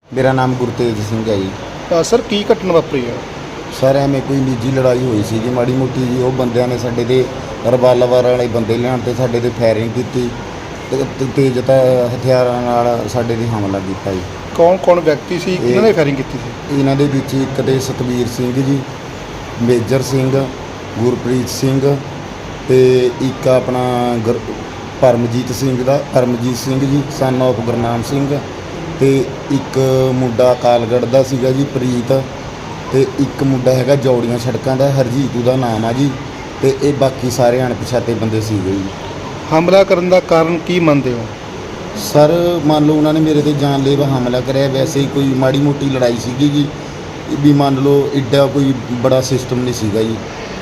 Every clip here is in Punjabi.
ਮੇਰਾ ਨਾਮ ਗੁਰਤੇਜ ਸਿੰਘ ਹੈ ਜੀ। ਸਰ ਕੀ ਘਟਨਾ ਵਾਪਰੀ ਹੈ? ਸਰ ਐਵੇਂ ਕੋਈ ਨਿੱਜੀ ਲੜਾਈ ਹੋਈ ਸੀ ਜੀ, ਮਾੜੀ ਮੋਟੀ ਜੀ। ਉਹ ਬੰਦਿਆਂ ਨੇ ਸਾਡੇ 'ਤੇ ਰਿਵਾਲਵਰ ਵਾਲੇ ਬੰਦੇ ਲਿਆਉਣ 'ਤੇ ਸਾਡੇ 'ਤੇ ਫਾਇਰਿੰਗ ਕੀਤੀ ਤੇ ਤੇਜ਼ ਹਥਿਆਰਾਂ ਨਾਲ ਸਾਡੇ 'ਤੇ ਹਮਲਾ ਕੀਤਾ ਜੀ। ਕੌਣ ਵਿਅਕਤੀ ਸੀ ਇਹਨਾਂ ਨੇ ਫਾਇਰਿੰਗ ਕੀਤੀ ਸੀ? ਇਹਨਾਂ ਦੇ ਵਿੱਚ ਇੱਕ ਤੇ ਸਤਵੀਰ ਸਿੰਘ ਜੀ, ਮੇਜਰ ਸਿੰਘ, ਗੁਰਪ੍ਰੀਤ ਸਿੰਘ ਤੇ ਇੱਕ ਆਪਣਾ ਪਰਮਜੀਤ ਸਿੰਘ ਜੀ ਸਨ ਆਫ ਗੁਰਨਾਮ ਸਿੰਘ ਤੇ ਇੱਕ ਮੁੰਡਾ ਕਾਲਗੜ੍ਹ ਦਾ ਸੀਗਾ ਜੀ ਪ੍ਰੀਤ ਤੇ ਇੱਕ ਮੁੰਡਾ ਹੈਗਾ ਜੌੜੀਆਂ ਸੜਕਾਂ ਦਾ ਹਰਜੀਤ ਦਾ ਨਾਮ ਆ ਜੀ। ਤੇ ਇਹ ਬਾਕੀ ਸਾਰੇ ਅਣਪਛਾਤੇ ਬੰਦੇ ਸੀਗੇ ਜੀ। ਹਮਲਾ ਕਰਨ ਦਾ ਕਾਰਨ ਕੀ ਮੰਨਦੇ ਹੋ? ਸਰ ਮੰਨ ਲਓ ਉਹਨਾਂ ਨੇ ਮੇਰੇ ਤੇ ਜਾਨਲੇਵਾ ਹਮਲਾ ਕਰਿਆ। ਵੈਸੇ ਹੀ ਕੋਈ ਮਾੜੀ ਮੋਟੀ ਲੜਾਈ ਸੀਗੀ ਜੀ, ਵੀ ਮੰਨ ਲਓ ਇੱਡਾ ਕੋਈ ਬੜਾ ਸਿਸਟਮ ਨਹੀਂ ਸੀਗਾ ਜੀ।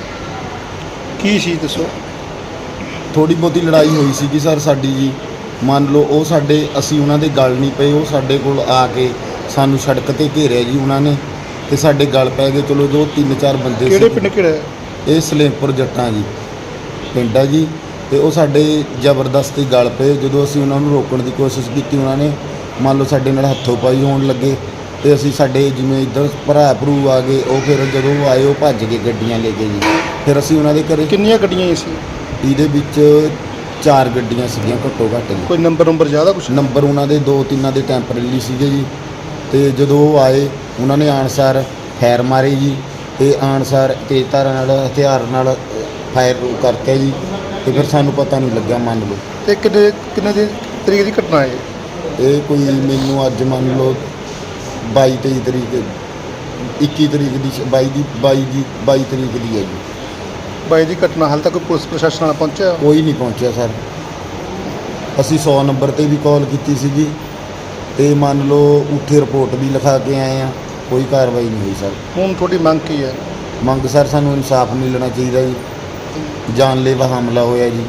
ਕੀ ਸੀ ਦੱਸੋ? ਥੋੜੀ ਬਹੁਤੀ ਲੜਾਈ ਹੋਈ ਸੀਗੀ ਸਰ ਸਾਡੀ ਜੀ। ਮੰਨ ਲਓ ਉਹ ਅਸੀਂ ਉਹਨਾਂ ਦੇ ਗਲ ਨਹੀਂ ਪਏ। ਉਹ ਸਾਡੇ ਕੋਲ ਆ ਕੇ ਸਾਨੂੰ ਸੜਕ 'ਤੇ ਘੇਰਿਆ ਜੀ ਉਹਨਾਂ ਨੇ ਤੇ ਸਾਡੇ ਗਲ ਪੈ ਗਏ। ਚਲੋ ਜੋ 3-4 ਬੰਦੇ ਕਿਹੜੇ ਪਿੰਡ ਕਿਹੜਾ? ਇਹ ਸਲੇਮਪੁਰ ਜੱਟਾਂ ਜੀ ਪਿੰਡ ਆ ਜੀ। ਤੇ ਉਹ ਸਾਡੇ ਜ਼ਬਰਦਸਤੀ ਗਲ ਪਏ। ਜਦੋਂ ਅਸੀਂ ਉਹਨਾਂ ਨੂੰ ਰੋਕਣ ਦੀ ਕੋਸ਼ਿਸ਼ ਕੀਤੀ, ਉਹਨਾਂ ਨੇ ਮੰਨ ਲਓ ਸਾਡੇ ਨਾਲ ਹੱਥੋਂ ਪਾਈ ਹੋਣ ਲੱਗੇ ਤੇ ਅਸੀਂ ਸਾਡੇ ਜਿਵੇਂ ਇੱਧਰ ਭਰਾ ਭਰੂ ਆ ਗਏ। ਉਹ ਫਿਰ ਜਦੋਂ ਆਏ ਉਹ ਭੱਜ ਗਏ ਗੱਡੀਆਂ ਲੈ ਕੇ ਜੀ। ਫਿਰ ਅਸੀਂ ਉਹਨਾਂ ਦੇ ਘਰੇ। ਕਿੰਨੀਆਂ ਗੱਡੀਆਂ ਸੀ? ਇਹਦੇ ਵਿੱਚ 4 ਗੱਡੀਆਂ ਸੀਗੀਆਂ ਘੱਟੋ ਘੱਟ ਜੀ। ਕੋਈ ਨੰਬਰ ਜ਼ਿਆਦਾ ਕੁਛ? ਨੰਬਰ ਉਹਨਾਂ ਦੇ 2-3 ਦੇ ਟੈਂਪਰੇਰੀ ਸੀਗੇ ਜੀ। ਤੇ ਜਦੋਂ ਉਹ ਆਏ ਉਹਨਾਂ ਨੇ ਆਣਸਾਰ ਫਾਇਰ ਮਾਰੇ ਜੀ ਤੇ ਆਣਸਾਰ ਤੇਜ਼ਧਾਰ ਨਾਲ ਹਥਿਆਰ ਨਾਲ ਫਾਇਰ ਕਰਕੇ ਜੀ। ਤੇ ਫਿਰ ਸਾਨੂੰ ਪਤਾ ਨਹੀਂ ਲੱਗਿਆ ਮੰਨ ਲਓ। ਤੇ ਕਿੰਨੇ ਦੀ ਤਰੀਕ ਦੀ ਘਟਨਾ ਹੈ ਇਹ ਕੋਈ ਮੈਨੂੰ ਅੱਜ ਮੰਨ ਲਓ 22-23 ਤਰੀਕ 21 ਤਰੀਕ ਦੀ 22 ਤਰੀਕ ਦੀ ਹੈ ਜੀ। 22 ਦੀ ਘਟਨਾ। ਹਾਲੇ ਤੱਕ ਕੋਈ ਪੁਲਿਸ ਪ੍ਰਸ਼ਾਸਨ ਨਾਲ ਪਹੁੰਚਿਆ? ਕੋਈ ਨਹੀਂ ਪਹੁੰਚਿਆ ਸਰ। ਅਸੀਂ 100 ਨੰਬਰ 'ਤੇ ਵੀ ਕਾਲ ਕੀਤੀ ਸੀਗੀ ਤੇ ਮੰਨ ਲਓ ਉੱਥੇ ਰਿਪੋਰਟ ਵੀ ਲਿਖਾ ਕੇ ਆਏ ਆ। ਕੋਈ ਕਾਰਵਾਈ ਨਹੀਂ ਹੋਈ ਸਰ। ਹੁਣ ਤੁਹਾਡੀ ਮੰਗ ਕੀ ਹੈ? ਮੰਗ ਸਰ ਸਾਨੂੰ ਇਨਸਾਫ ਮਿਲਣਾ ਚਾਹੀਦਾ ਜੀ। ਜਾਨਲੇਵਾ ਹਮਲਾ ਹੋਇਆ ਜੀ।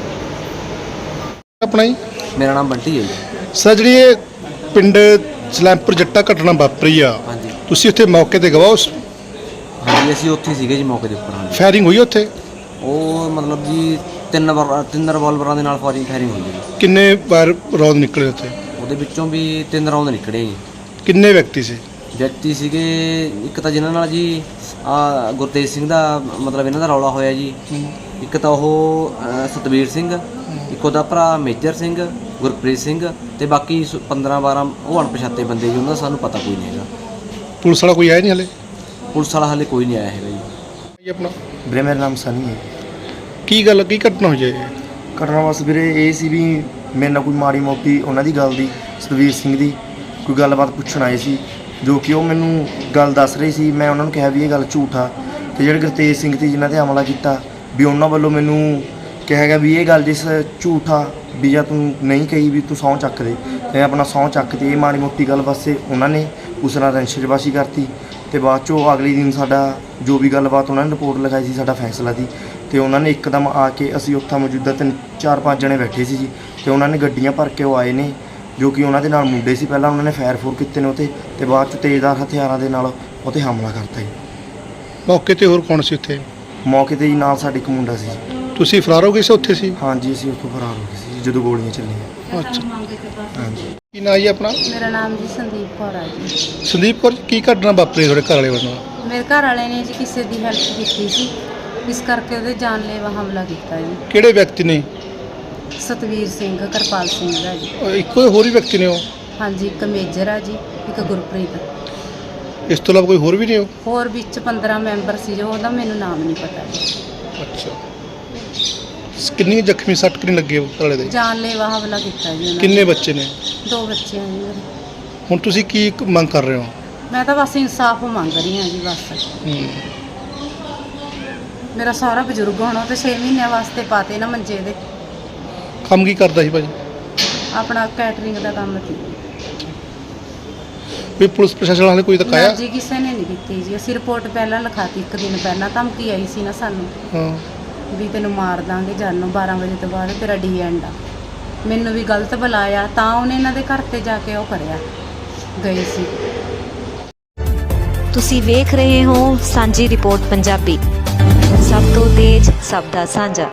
ਆਪਣਾ ਹੀ? ਮੇਰਾ ਨਾਮ ਬੰਟੀ ਹੈ ਜੀ। ਸਰ ਜਿਹੜੀ ਇਹ ਪਿੰਡ ਸਲੈਮਪੁਰ ਜੱਟਾ ਘਟਨਾ ਵਾਪਰੀ ਆ, ਹਾਂਜੀ ਤੁਸੀਂ ਉੱਥੇ ਮੌਕੇ ਤੇ ਗਵਾਹ? ਹਾਂਜੀ ਅਸੀਂ ਉੱਥੇ ਸੀਗੇ ਜੀ ਮੌਕੇ ਦੇ ਉੱਪਰ। ਹਾਂਜੀ ਫਾਇਰਿੰਗ ਹੋਈ ਉੱਥੇ? ਉਹ ਮਤਲਬ ਜੀ ਤਿੰਨ ਰਿਵਾਲਵਰਾਂ ਦੇ ਨਾਲ ਫਾਇਰਿੰਗ ਹੋਈ ਜੀ। ਕਿੰਨੇ ਵਾਰ ਰੌਂਦ ਨਿਕਲੇ ਉੱਥੇ? ਉਹਦੇ ਵਿੱਚੋਂ ਵੀ 3 ਰਾਉਂਡ ਨਿਕਲੇ ਜੀ। ਕਿੰਨੇ ਵਿਅਕਤੀ ਸੀ? ਵਿਅਕਤੀ ਸੀਗੇ ਇੱਕ ਤਾਂ ਜਿਨ੍ਹਾਂ ਨਾਲ ਜੀ ਗੁਰਤੇਜ ਸਿੰਘ ਦਾ ਮਤਲਬ ਇਹਨਾਂ ਦਾ ਰੌਲਾ ਹੋਇਆ ਜੀ। ਇੱਕ ਤਾਂ ਉਹ ਸਤਵੀਰ ਸਿੰਘ, ਇੱਕ ਉਹਦਾ ਭਰਾ ਮੇਜਰ ਸਿੰਘ, ਗੁਰਪ੍ਰੀਤ ਸਿੰਘ ਤੇ ਬਾਕੀ 15-12 ਉਹ ਅਣਪਛਾਤੇ ਬੰਦੇ ਜੀ। ਉਹਨਾਂ ਦਾ ਸਾਨੂੰ ਪਤਾ ਕੋਈ ਨਹੀਂ ਹੈਗਾ। ਪੁਲਿਸ ਵਾਲਾ ਕੋਈ ਆਇਆ ਨਹੀਂ ਹਲੇ? ਪੁਲਿਸ ਵਾਲਾ ਹਾਲੇ ਕੋਈ ਨਹੀਂ ਆਇਆ ਹੈਗਾ ਜੀ। ਆਪਣਾ ਵੀਰੇ ਮੇਰਾ ਨਾਮ ਸਨੀ ਹੈ। ਕੀ ਘਟਨਾ ਹੋਈ ਹੈ? ਘਟਨਾ ਬਸ ਵੀਰੇ ਇਹ ਸੀ ਵੀ ਮੇਰੇ ਨਾਲ ਕੋਈ ਮਾੜੀ ਮੋਟੀ ਉਹਨਾਂ ਦੀ ਗੱਲ ਦੀ, ਸਤਵੀਰ ਸਿੰਘ ਦੀ ਕੋਈ ਗੱਲਬਾਤ ਪੁੱਛਣ ਆਏ ਸੀ, ਜੋ ਕਿ ਉਹ ਮੈਨੂੰ ਗੱਲ ਦੱਸ ਰਹੀ ਸੀ। ਮੈਂ ਉਹਨਾਂ ਨੂੰ ਕਿਹਾ ਵੀ ਇਹ ਗੱਲ ਝੂਠ ਆ। ਤੇ ਜਿਹੜੇ ਗੁਰਤੇਜ ਸਿੰਘ ਤੇ ਜਿਨ੍ਹਾਂ 'ਤੇ ਹਮਲਾ ਕੀਤਾ ਵੀ ਉਹਨਾਂ ਵੱਲੋਂ ਮੈਨੂੰ ਕਿਹਾ ਗਿਆ ਵੀ ਇਹ ਗੱਲ ਜਿਸ ਝੂਠ ਆ ਵੀ ਜਾਂ ਤੂੰ ਨਹੀਂ ਕਹੀ ਵੀ ਤੂੰ ਸਹੁੰ ਚੱਕ ਦੇ। ਤੇ ਆਪਣਾ ਸਹੁੰ ਚੱਕ ਤੇ ਇਹ ਮਾੜੀ ਮੋਟੀ ਗੱਲ ਵਾਸਤੇ ਉਹਨਾਂ ਨੇ ਉਸ ਨਾਲ ਰੰਸ਼ੇਬਾਜ਼ੀ ਕਰਤੀ। ਤੇ ਬਾਅਦ 'ਚੋਂ ਅਗਲੇ ਦਿਨ ਸਾਡਾ ਜੋ ਵੀ ਗੱਲਬਾਤ ਉਹਨਾਂ ਨੇ ਰਿਪੋਰਟ ਲਿਖਾਈ ਸੀ ਸਾਡਾ ਫੈਸਲਾ ਦੀ। ਤੇ ਉਹਨਾਂ ਨੇ ਇੱਕਦਮ ਆ ਕੇ ਅਸੀਂ ਉੱਥੇ ਮੌਜੂਦਾ 4-5 ਜਣੇ ਬੈਠੇ ਸੀ ਜੀ। ਤੇ ਉਹਨਾਂ ਨੇ ਗੱਡੀਆਂ ਭਰ ਕੇ ਉਹ ਆਏ ਨੇ, ਜੋ ਕਿ ਉਹਨਾਂ ਦੇ ਨਾਲ ਮੁੰਡੇ ਸੀ। ਪਹਿਲਾਂ ਉਹਨਾਂ ਨੇ ਫਾਇਰ ਕੀਤੇ ਨੇ ਉੱਥੇ ਤੇ ਬਾਅਦ 'ਚ ਤੇਜ਼ਧਾਰ ਹਥਿਆਰਾਂ ਦੇ ਨਾਲ ਉੱਥੇ ਹਮਲਾ ਕਰਤਾ ਜੀ। ਮੌਕੇ ਤੇ ਹੋਰ ਕੌਣ ਸੀ ਉੱਥੇ? ਮੌਕੇ ਤੇ ਜੀ ਨਾਲ ਸਾਡੇ ਇੱਕ ਮੁੰਡਾ ਸੀ ਜੀ। ਤੁਸੀਂ ਫਰਾਰ ਹੋ ਗਏ ਸੀ ਉੱਥੇ ਸੀ? ਹਾਂਜੀ ਅਸੀਂ ਉੱਥੋਂ ਫਰਾਰ ਹੋ ਗਏ ਸੀ ਜਦੋਂ ਗੋਲੀਆਂ ਚੱਲੀਆਂ। ਅੱਛਾ। ਹਾਂਜੀ। ਕੀ ਨਾਂ ਜੀ ਆਪਣਾ? ਮੇਰਾ ਨਾਮ ਜੀ ਸੰਦੀਪ ਕੌਰ ਆ ਜੀ। ਸੰਦੀਪ ਕੌਰ, ਕੀ ਘਟਨਾ ਵਾਪਰੀ ਤੁਹਾਡੇ ਘਰ ਵਾਲੇ ਵੱਲੋਂ? ਮੇਰੇ ਘਰ ਵਾਲੇ ਨੇ ਜੀ ਕਿਸੇ ਦੀ ਹੈਲਪ ਕੀਤੀ ਸੀ, ਇਸ ਕਰਕੇ ਉਹਦੇ ਜਾਨਲੇਵਾ ਹਮਲਾ ਕੀਤਾ ਜੀ। ਕਿਹੜੇ ਵਿਅਕਤੀ ਨੇ? ਸਤਵੀਰ ਸਿੰਘ, ਕਿਰਪਾਲ ਸਿੰਘ ਦਾ ਜੀ। ਇੱਕੋ ਹੋਰ ਹੀ ਵਿਅਕਤੀ ਨੇ ਉਹ? ਹਾਂਜੀ, ਇੱਕ ਮੇਜਰ ਆ ਜੀ, ਇੱਕ ਗੁਰਪ੍ਰੀਤ। ਇਸ ਤੋਂ ਇਲਾਵਾ ਕੋਈ ਹੋਰ ਵੀ ਨੇ ਉਹ? ਹੋਰ ਵਿੱਚ 15 ਮੈਂਬਰ ਸੀ ਜੋ, ਉਹਦਾ ਮੈਨੂੰ ਨਾਮ ਨਹੀਂ ਪਤਾ ਜੀ। ਅੱਛਾ। ਕਿੰਨੀ ਜ਼ਖਮੀ ਸੱਟ ਕਿੰਨੀ ਲੱਗੇ ਉਹ ਘਰ ਵਾਲੇ ਦੇ? ਜਾਨਲੇਵਾ ਹਮਲਾ ਕੀਤਾ ਜੀ ਉਹਨਾਂ ਕਿੰਨੇ ਬੱਚੇ ਨੇ? 2 ਬੱਚੇ ਆ ਜੀ ਮੇਰੇ। ਹੁਣ ਤੁਸੀਂ ਕੀ ਮੰਗ ਕਰ ਰਹੇ ਹੋ? ਮੈਂ ਤਾਂ ਬਸ ਇਨਸਾਫ ਮੰਗ ਰਹੀ ਹਾਂ ਜੀ ਬਸ। ਮੇਰਾ ਸਾਰਾ ਬਜ਼ੁਰਗ ਹੋਣਾ ਤੇ 6 ਮਹੀਨਿਆਂ ਵਾਸਤੇ ਪਾਤੇ ਨਾ ਮੰਜੇ ਦੇ। ਕੰਮ ਕੀ ਕਰਦਾ ਸੀ ਭਾਜੀ? ਆਪਣਾ ਕੈਟਰਿੰਗ ਦਾ ਕੰਮ ਸੀ। ਵੀ ਪੁਲਿਸ ਪ੍ਰਸ਼ਾਸਨ ਵਾਲੇ ਕੋਈ ਤੱਕ ਆਇਆ? ਜੀ ਕਿਸੇ ਨੇ ਨਹੀਂ ਦਿੱਤੀ ਜੀ। ਅਸੀਂ ਰਿਪੋਰਟ ਪਹਿਲਾਂ ਲਿਖਾਤੀ, 1 ਦਿਨ ਪਹਿਲਾਂ ਧਮਕੀ ਆਈ ਸੀ ਨਾ ਸਾਨੂੰ ਹਾਂ ਵੀ ਤੈਨੂੰ ਮਾਰ ਦਾਂਗੇ ਜਾਨੋਂ, 12 ਵਜੇ ਤੋਂ ਬਾਅਦ ਤੇਰਾ ਡੀ ਐਂਡ ਆ। ਮੈਨੂੰ ਵੀ ਗਲਤ ਬੁਲਾਇਆ ਤਾਂ ਉਹਨੇ ਇਹਨਾਂ ਦੇ ਘਰ ਤੇ ਜਾ ਕੇ ਉਹ ਕਰਿਆ ਗਏ ਸੀ। ਤੁਸੀਂ ਵੇਖ ਰਹੇ ਹੋ ਸਾਂਝੀ ਰਿਪੋਰਟ ਪੰਜਾਬੀ, ਸਭ ਤੋਂ ਤੇਜ਼, ਸਭ ਦਾ ਸਾਂਝਾ।